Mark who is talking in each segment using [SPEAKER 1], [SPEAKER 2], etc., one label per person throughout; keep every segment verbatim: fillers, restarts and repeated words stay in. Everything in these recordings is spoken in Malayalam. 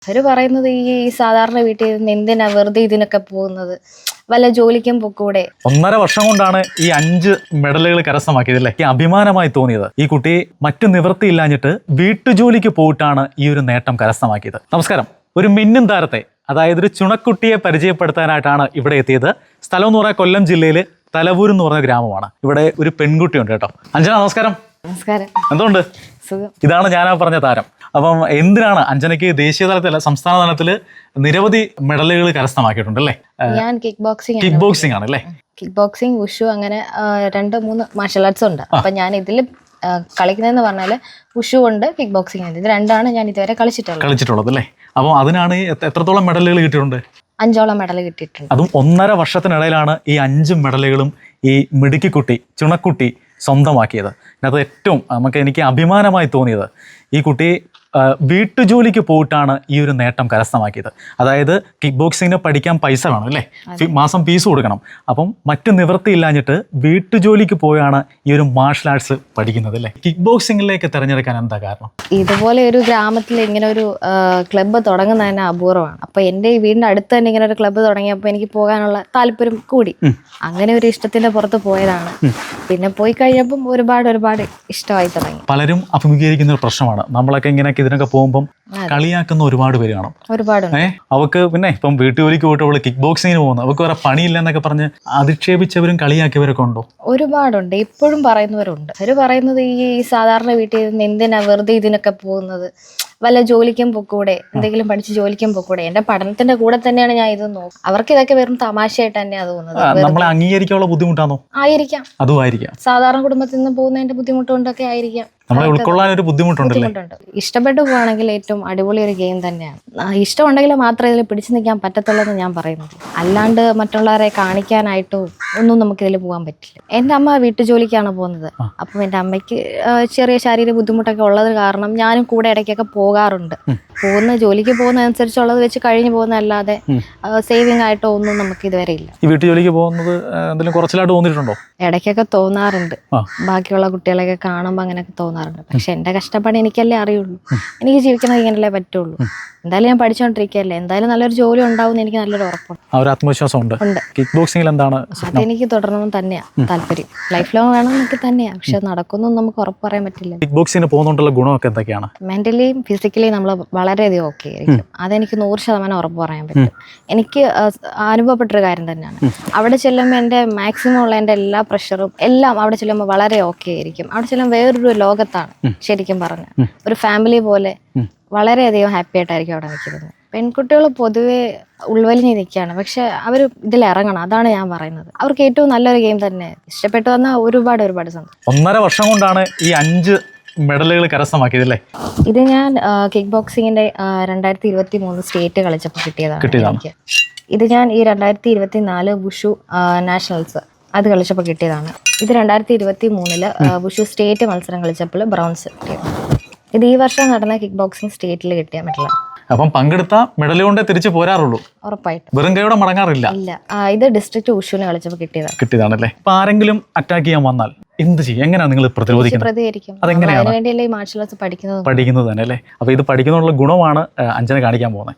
[SPEAKER 1] അവര് പറയുന്നത് ഈ സാധാരണ വീട്ടിൽ നിന്ന് എന്തിനാ വെറുതെ ഇതിനൊക്കെ പോകുന്നത്, വല്ല ജോലിക്കും പൊക്കൂടെ.
[SPEAKER 2] ഒന്നര വർഷം കൊണ്ടാണ് ഈ അഞ്ച് മെഡലുകൾ കരസ്ഥമാക്കിയതല്ലേ. ഈ അഭിമാനമായി തോന്നിയത് ഈ കുട്ടി മറ്റു നിവൃത്തിയില്ലാഞ്ഞിട്ട് വീട്ടുജോലിക്ക് പോയിട്ടാണ് ഈ ഒരു നേട്ടം കരസ്ഥമാക്കിയത്. നമസ്കാരം. ഒരു മിന്നും താരത്തെ, അതായത് ഒരു ചുണക്കുട്ടിയെ പരിചയപ്പെടുത്താനായിട്ടാണ് ഇവിടെ എത്തിയത്. സ്ഥലം എന്ന് പറഞ്ഞാൽ കൊല്ലം ജില്ലയിൽ തലവൂർ എന്ന് പറഞ്ഞ ഗ്രാമമാണ്. ഇവിടെ ഒരു പെൺകുട്ടിയുണ്ട് കേട്ടോ. അഞ്ജന നമസ്കാരം.
[SPEAKER 1] നമസ്കാരം.
[SPEAKER 2] എന്തുകൊണ്ട്?
[SPEAKER 1] സുഖം.
[SPEAKER 2] ഇതാണ് ഞാനാ പറഞ്ഞ താരം. അപ്പം എന്തിനാണ് അഞ്ജനയ്ക്ക് ദേശീയ തലത്തില സംസ്ഥാന തലത്തില് നിരവധി മെഡലുകൾ കരസ്ഥമാക്കിയിട്ടുണ്ട് അല്ലേ?
[SPEAKER 1] ഞാൻ കിക്ക് ബോക്സിംഗ്
[SPEAKER 2] കിക്ക് ബോക്സിംഗ് ആണ് അല്ലേ?
[SPEAKER 1] കിക്ക് ബോക്സിംഗ്, ഉഷു, അങ്ങനെ രണ്ട് മൂന്ന് മാർഷൽ ആർട്സ് ഉണ്ട്. അപ്പൊ ഞാൻ ഇതിൽ കളിക്കുന്നതെന്ന് പറഞ്ഞാല് ഉഷു ഉണ്ട്, കിക്ക് ബോക്സിംഗ് ഉണ്ട്. ഇത് രണ്ടാണ് ഞാൻ ഇതുവരെ കളിച്ചിട്ടുള്ളത്
[SPEAKER 2] കളിച്ചിട്ടുള്ളത് അല്ലേ? അപ്പോൾ അതിനാണ് എത്രത്തോളം മെഡലുകൾ കിട്ടിയിട്ടുണ്ട്?
[SPEAKER 1] അഞ്ചോളം മെഡൽ കിട്ടിയിട്ടുണ്ട്.
[SPEAKER 2] അതും ഒന്നര വർഷത്തിനിടയിലാണ് ഈ അഞ്ച് മെഡലുകളും ഈ മിടുക്കിക്കുട്ടി ചുണക്കുട്ടി സ്വന്തമാക്കിയത്. അതിനകത്ത് ഏറ്റവും നമുക്ക് എനിക്ക് അഭിമാനമായി തോന്നിയത് ഈ കുട്ടി വീട്ടുജോലിക്ക് പോയിട്ടാണ് ഈ ഒരു നേട്ടം കരസ്ഥമാക്കിയത്. അതായത് കിക്ക് ബോക്സിങ്ങിന് പഠിക്കാൻ പൈസ വേണം അല്ലേ, മാസം ഫീസ് കൊടുക്കണം. അപ്പം മറ്റു നിവൃത്തിയില്ലാഞ്ഞിട്ട് വീട്ടുജോലിക്ക് പോയാണ് ഈ ഒരു മാർഷൽ ആർട്സ് പഠിക്കുന്നത് അല്ലേ. കിക്ക് ബോക്സിങ്ങിലേക്ക് തിരഞ്ഞെടുക്കാൻ എന്താ കാരണം?
[SPEAKER 1] ഇതുപോലെ ഒരു ഗ്രാമത്തിൽ ഇങ്ങനെ ഒരു ക്ലബ്ബ് തുടങ്ങുന്നത് തന്നെ അപൂർവമാണ്. അപ്പൊ എൻ്റെ ഈ വീടിന്റെ അടുത്ത് തന്നെ ഇങ്ങനെ ഒരു ക്ലബ്ബ് തുടങ്ങിയപ്പോൾ എനിക്ക് പോകാനുള്ള താല്പര്യം കൂടി. അങ്ങനെ ഒരു ഇഷ്ടത്തിന്റെ പുറത്ത് പോയതാണ്. പിന്നെ പോയി കഴിഞ്ഞപ്പം ഒരുപാട് ഒരുപാട് ഇഷ്ടമായി തുടങ്ങി.
[SPEAKER 2] പലരും അഭിമുഖീകരിക്കുന്ന ഒരു പ്രശ്നമാണ്, നമ്മളൊക്കെ ഇങ്ങനെ ഇതിനൊക്കെ പോകുമ്പം കളിയാക്കുന്ന ഒരുപാട് പേര് കാണും.
[SPEAKER 1] ഒരുപാട്
[SPEAKER 2] ഏഹ് അവക്ക് പിന്നെ ഇപ്പം വീട്ടുജോലിക്ക് പോയിട്ട് അവള് കിക്ക് ബോക്സിങ്ങിന് പോകുന്നു, അവർക്ക് വേറെ പണിയില്ല എന്നൊക്കെ പറഞ്ഞ് അധിക്ഷേപിച്ചവരും കളിയാക്കിയവരൊക്കെ ഉണ്ടോ?
[SPEAKER 1] ഒരുപാടുണ്ട്. ഇപ്പോഴും പറയുന്നവരുണ്ട്. അവര് പറയുന്നത് ഈ സാധാരണ വീട്ടിൽ നിന്ന് എന്തിനാ വെറുതെ ഇതിനൊക്കെ പോകുന്നത്, വല്ല ജോലിക്കും പൊക്കൂടെ, എന്തെങ്കിലും പഠിച്ച് ജോലിക്കും പൊക്കൂടെ. എന്റെ പഠനത്തിന്റെ കൂടെ തന്നെയാണ് ഞാൻ ഇത് നോക്കും. അവർക്ക് ഇതൊക്കെ വെറും തമാശയായിട്ട് തന്നെയാ തോന്നുന്നത്.
[SPEAKER 2] നമ്മളെ അംഗീകരിക്കാനുള്ള ബുദ്ധിമുട്ടാണോ?
[SPEAKER 1] ആയിരിക്കാം.
[SPEAKER 2] അതും ആയിരിക്കാം.
[SPEAKER 1] സാധാരണ കുടുംബത്തിൽ നിന്ന് പോകുന്നതിന്റെ ബുദ്ധിമുട്ട് കൊണ്ടൊക്കെ ആയിരിക്കാം.
[SPEAKER 2] നമ്മളെ ഉൾക്കൊള്ളാൻ ഒരു ബുദ്ധിമുട്ടുണ്ടല്ലേ?
[SPEAKER 1] ഇഷ്ടപ്പെട്ടു പോവാണെങ്കിൽ ഏറ്റവും അടിപൊളി ഒരു ഗെയിം തന്നെയാണ്. ഇഷ്ടമുണ്ടെങ്കിൽ മാത്രമേ ഇതിൽ പിടിച്ചു നിൽക്കാൻ പറ്റത്തുള്ളൂ എന്ന് ഞാൻ പറയുന്നത്. അല്ലാണ്ട് മറ്റുള്ളവരെ കാണിക്കാനായിട്ടോ ഒന്നും നമുക്ക് ഇതിൽ പോകാൻ പറ്റില്ല. എൻ്റെ അമ്മ വീട്ടുജോലിക്കാണ് പോകുന്നത്. അപ്പം എൻ്റെ അമ്മയ്ക്ക് ചെറിയ ശാരീരിക ബുദ്ധിമുട്ടൊക്കെ ഉള്ളത് കാരണം ഞാനും കൂടെ ഇടയ്ക്കൊക്കെ പോകാറുണ്ട്. പോകുന്ന ജോലിക്ക് പോകുന്നതനുസരിച്ചുള്ളത് വെച്ച് കഴിഞ്ഞു പോകുന്നതല്ലാതെ സേവിങ് ആയിട്ടോ ഒന്നും നമുക്ക് ഇതുവരെ ഇല്ല.
[SPEAKER 2] ഈ വീട്ടുജോലിക്ക് പോകുന്നത് എന്തെങ്കിലും കുറച്ചിലായിട്ട് തോന്നിയിട്ടുണ്ടോ?
[SPEAKER 1] ഇടയ്ക്കൊക്കെ തോന്നാറുണ്ട്. ബാക്കിയുള്ള കുട്ടികളെയൊക്കെ കാണുമ്പോൾ അങ്ങനെയൊക്കെ തോന്നാറുണ്ട്. പക്ഷെ എന്റെ കഷ്ടപ്പാട് എനിക്കല്ലേ അറിയുള്ളൂ. എനിക്ക് ജീവിക്കുന്നത് ഇങ്ങനല്ലേ പറ്റുള്ളൂ. എന്തായാലും ഞാൻ പഠിച്ചുകൊണ്ടിരിക്കുകയല്ലേ, എന്തായാലും നല്ലൊരു ജോലി ഉണ്ടാവും എനിക്ക് നല്ലൊരു ഉറപ്പുണ്ട്.
[SPEAKER 2] ആ ഒരു ആത്മവിശ്വാസം ഉണ്ട്. കിക്ക് ബോക്സിംഗിൽ എന്താണ്
[SPEAKER 1] അതെനിക്ക് തുടരണമെന്ന് തന്നെയാ താല്പര്യം. ലൈഫ് ലോങ് വേണം എന്നൊക്കെ തന്നെയാ. പക്ഷെ നടക്കുന്നൊന്നും നമുക്ക് ഉറപ്പ് പറയാൻ പറ്റില്ല.
[SPEAKER 2] കിക്ക് ബോക്സിംഗിന് പോകുന്നതുകൊണ്ടുള്ള ഗുണമൊക്കെ എന്തൊക്കെയാണ്?
[SPEAKER 1] മെന്റലിയും ഫിസിക്കലിയും നമ്മൾ വളരെയധികം ഓക്കെ ആയിരിക്കും. അതെനിക്ക് നൂറ് ശതമാനം ഉറപ്പ് പറയാൻ പറ്റും. എനിക്ക് അനുഭവപ്പെട്ടൊരു കാര്യം തന്നെയാണ്. അവിടെ ചെല്ലുമ്പോൾ എൻ്റെ മാക്സിമം ഉള്ള എൻ്റെ എല്ലാ പ്രഷറും എല്ലാം അവിടെ ചെല്ലുമ്പോൾ വളരെ ഓക്കെ ആയിരിക്കും. അവിടെ ചെല്ലുമ്പോൾ വേറൊരു ലോകത്താണ് ശരിക്കും പറഞ്ഞ. ഒരു ഫാമിലി പോലെ വളരെയധികം ഹാപ്പി ആയിട്ടായിരിക്കും അവിടെ നിൽക്കുന്നത്. പെൺകുട്ടികൾ പൊതുവെ ഉൾവലിഞ്ഞ് നിൽക്കുകയാണ്. പക്ഷെ അവർ ഇതിൽ ഇറങ്ങണം, അതാണ് ഞാൻ പറയുന്നത്. അവർക്ക് ഏറ്റവും നല്ലൊരു ഗെയിം തന്നെ. ഇഷ്ടപ്പെട്ടു വന്നാൽ ഒരുപാട് ഒരുപാട് സന്തോഷം.
[SPEAKER 2] ഒന്നര വർഷം കൊണ്ടാണ് ഈ അഞ്ച് മെഡലുകൾ കരസ്ഥമാക്കിയതല്ലേ?
[SPEAKER 1] ഇത് ഞാൻ കിക്ക് ബോക്സിങ്ങിന്റെ രണ്ടായിരത്തി ഇരുപത്തി മൂന്ന് സ്റ്റേറ്റ് കളിച്ചപ്പോൾ കിട്ടിയതാണ് എനിക്ക്. ഇത് ഞാൻ ഈ രണ്ടായിരത്തി ഇരുപത്തി നാല് വുഷു നാഷണൽസ് അത് കളിച്ചപ്പോൾ കിട്ടിയതാണ്. ഇത് രണ്ടായിരത്തി ഇരുപത്തി മൂന്നില് വുഷു സ്റ്റേറ്റ് മത്സരം കളിച്ചപ്പോൾ ബ്രോൺസ് കിട്ടിയത്. ഇത് ഈ വർഷം നടന്ന കിക്ക് ബോക്സിംഗ് സ്റ്റേറ്റിൽ കിട്ടിയ മെഡലാണ്.
[SPEAKER 2] അപ്പം പങ്കെടുത്ത മെഡൽ കൊണ്ടേ തിരിച്ചു പോരാറുള്ളൂ.
[SPEAKER 1] ഉറപ്പായിട്ടും.
[SPEAKER 2] വെറും കൈയോടെ മടങ്ങാറില്ല.
[SPEAKER 1] ഇല്ല. ഇത് ഡിസ്ട്രിക്ട് ഉഷുവിന് കളിച്ചപ്പോൾ കിട്ടിയതാണ്.
[SPEAKER 2] കിട്ടിയതാണല്ലേ? അപ്പൊ ആരെങ്കിലും അറ്റാക്ക് ചെയ്യാൻ വന്നാൽ എന്ത് ചെയ്യും? എങ്ങനെയാണ് നിങ്ങൾ പ്രതിരോധിക്കുന്നത്?
[SPEAKER 1] പ്രതികരിക്കും.
[SPEAKER 2] അതെങ്ങനെയാണ്?
[SPEAKER 1] അതിനുവേണ്ടിയല്ലേ ഈ മാർഷൽ ആർട്സ് പഠിക്കുന്നത്
[SPEAKER 2] പഠിക്കുന്നത് തന്നെ അല്ലേ? അപ്പൊ ഇത് പഠിക്കുന്നതിനുള്ള ഗുണമാണ് അഞ്ജന കാണിക്കാൻ പോകുന്നത്.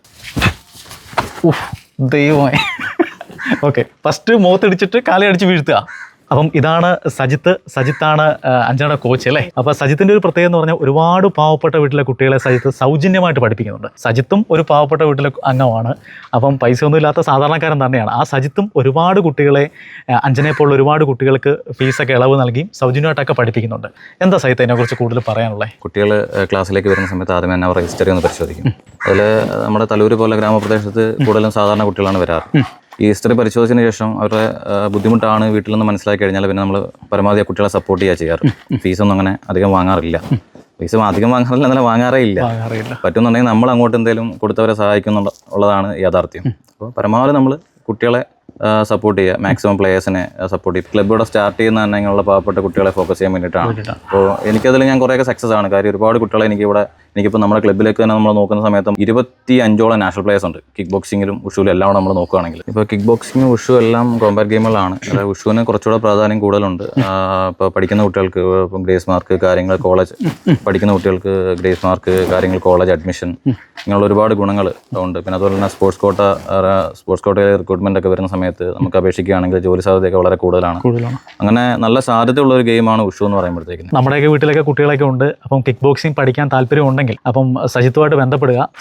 [SPEAKER 2] ഉഫ് ദൈവമേ. ഓക്കെ, ഫസ്റ്റ് മുഖത്തിടിച്ചിട്ട് കാലി അടിച്ച് വീഴ്ത്തുക. അപ്പം ഇതാണ് സജിത്ത്. സജിത്താണ് അഞ്ജനയുടെ കോച്ച് അല്ലേ? അപ്പൊ സജിത്തിന്റെ ഒരു പ്രത്യേകത എന്ന് പറഞ്ഞാൽ ഒരുപാട് പാവപ്പെട്ട വീട്ടിലെ കുട്ടികളെ സജിത്ത് സൗജന്യമായിട്ട് പഠിപ്പിക്കുന്നുണ്ട്. സജിത്തും ഒരു പാവപ്പെട്ട വീട്ടിലെ അംഗമാണ്. അപ്പം പൈസ ഒന്നും ഇല്ലാത്ത സാധാരണക്കാരൻ തന്നെയാണ്. ആ സജിത്തും ഒരുപാട് കുട്ടികളെ, അഞ്ജനയെ പോലുള്ള ഒരുപാട് കുട്ടികൾക്ക് ഫീസൊക്കെ ഇളവ് നൽകി സൗജന്യമായിട്ടൊക്കെ പഠിപ്പിക്കുന്നുണ്ട്. എന്താ സജിത്ത് അതിനെക്കുറിച്ച് കൂടുതൽ പറയാനുള്ളത്?
[SPEAKER 3] കുട്ടികൾ ക്ലാസ്സിലേക്ക് വരുന്ന സമയത്ത് ആദ്യമേ തന്നെ അവർ ഹിസ്റ്ററി ഒന്ന് പരിശോധിക്കും. അതിൽ നമ്മുടെ തലൂർ പോലെ ഗ്രാമപ്രദേശത്ത് കൂടുതലും സാധാരണ കുട്ടികളാണ് വരാറ്. ഈ ഹിസ്റ്ററി പരിശോധിച്ചതിന് ശേഷം അവരുടെ ബുദ്ധിമുട്ടാണ് വീട്ടിൽ നിന്ന് മനസ്സിലാക്കി കഴിഞ്ഞാൽ പിന്നെ നമ്മൾ പരമാവധി കുട്ടികളെ സപ്പോർട്ട് ചെയ്യുക ചെയ്യാറ്. ഫീസൊന്നും അങ്ങനെ അധികം വാങ്ങാറില്ല. പൈസ അധികം വാങ്ങാറില്ല, എന്നാലും വാങ്ങാറേ ഇല്ല. പറ്റുന്നുണ്ടെങ്കിൽ നമ്മൾ അങ്ങോട്ട് എന്തെങ്കിലും കൊടുത്തവരെ സഹായിക്കും ഉള്ളതാണ് യാഥാർത്ഥ്യം. അപ്പോൾ പരമാവധി നമ്മൾ കുട്ടികളെ സപ്പോർട്ട് ചെയ്യുക, മാക്സിമം പ്ലേയേഴ്സിനെ സപ്പോർട്ട് ചെയ്യുക. ക്ലബ് ഇവിടെ സ്റ്റാർട്ട് ചെയ്യുന്ന തന്നെ ഇങ്ങനെയുള്ള പാവപ്പെട്ട കുട്ടികളെ ഫോക്കസ് ചെയ്യാൻ വേണ്ടിയിട്ടാണ്. അപ്പോൾ എനിക്കതിൽ ഞാൻ കുറേയൊക്കെ സക്സസ് ആണ്. കാര്യം ഒരുപാട് കുട്ടികളെ എനിക്കിവിടെ എനിക്കിപ്പോൾ നമ്മുടെ ക്ലബ്ബിലേക്ക് തന്നെ നമ്മൾ നോക്കുന്ന സമയത്തും ഇരുപത്തി അഞ്ചോളം നാഷണൽ പ്ലേയേഴ്സ് ഉണ്ട് കിക്ക് ബോക്സിങ്ങിലും ഉഷുവിലും എല്ലാം നമ്മൾ നോക്കുകയാണെങ്കിൽ. ഇപ്പോൾ കിക്ക് ബോക്സിങ്ങും ഉഷു എല്ലാം കോമ്പാറ്റ് ഗെയിമുകളാണ്. അതായത് ഉഷുവിന് കുറച്ചുകൂടെ പ്രാധാന്യം കൂടുതലുണ്ട്. ഇപ്പോൾ പഠിക്കുന്ന കുട്ടികൾക്ക് ഇപ്പം ഗ്രേസ് മാർക്ക് കാര്യങ്ങൾ, കോളേജ് പഠിക്കുന്ന കുട്ടികൾക്ക് ഗ്രേസ് മാർക്ക് കാര്യങ്ങൾ, കോളേജ് അഡ്മിഷൻ, ഇങ്ങനെയുള്ള ഒരുപാട് ഗുണങ്ങൾ ഉണ്ട്. പിന്നെ അതുപോലെ തന്നെ സ്പോർട്സ് കോട്ട സ്പോർട്സ് കോട്ടയിൽ റിക്രൂട്ട്മെന്റ് ഒക്കെ വരുന്ന സമയത്ത് നമുക്ക് അപേക്ഷിക്കുകയാണെങ്കിൽ ജോലി സാധ്യതയൊക്കെ വളരെ കൂടുതലാണ്.
[SPEAKER 2] കൂടുതലാണ്
[SPEAKER 3] അങ്ങനെ നല്ല സാധ്യതയുള്ള ഒരു ഗെയിമാണ് ഉഷു എന്ന് പറയുമ്പോഴത്തേക്കും.
[SPEAKER 2] നമ്മുടെയൊക്കെ വീട്ടിലൊക്കെ കുട്ടികളൊക്കെ ഉണ്ട്. അപ്പം കിക്ക് ബോക്സിംഗ് പഠിക്കാൻ താല്പര്യം ഉണ്ടെങ്കിൽ അപ്പം സജിത്തുമായിട്ട് ബന്ധപ്പെടുക.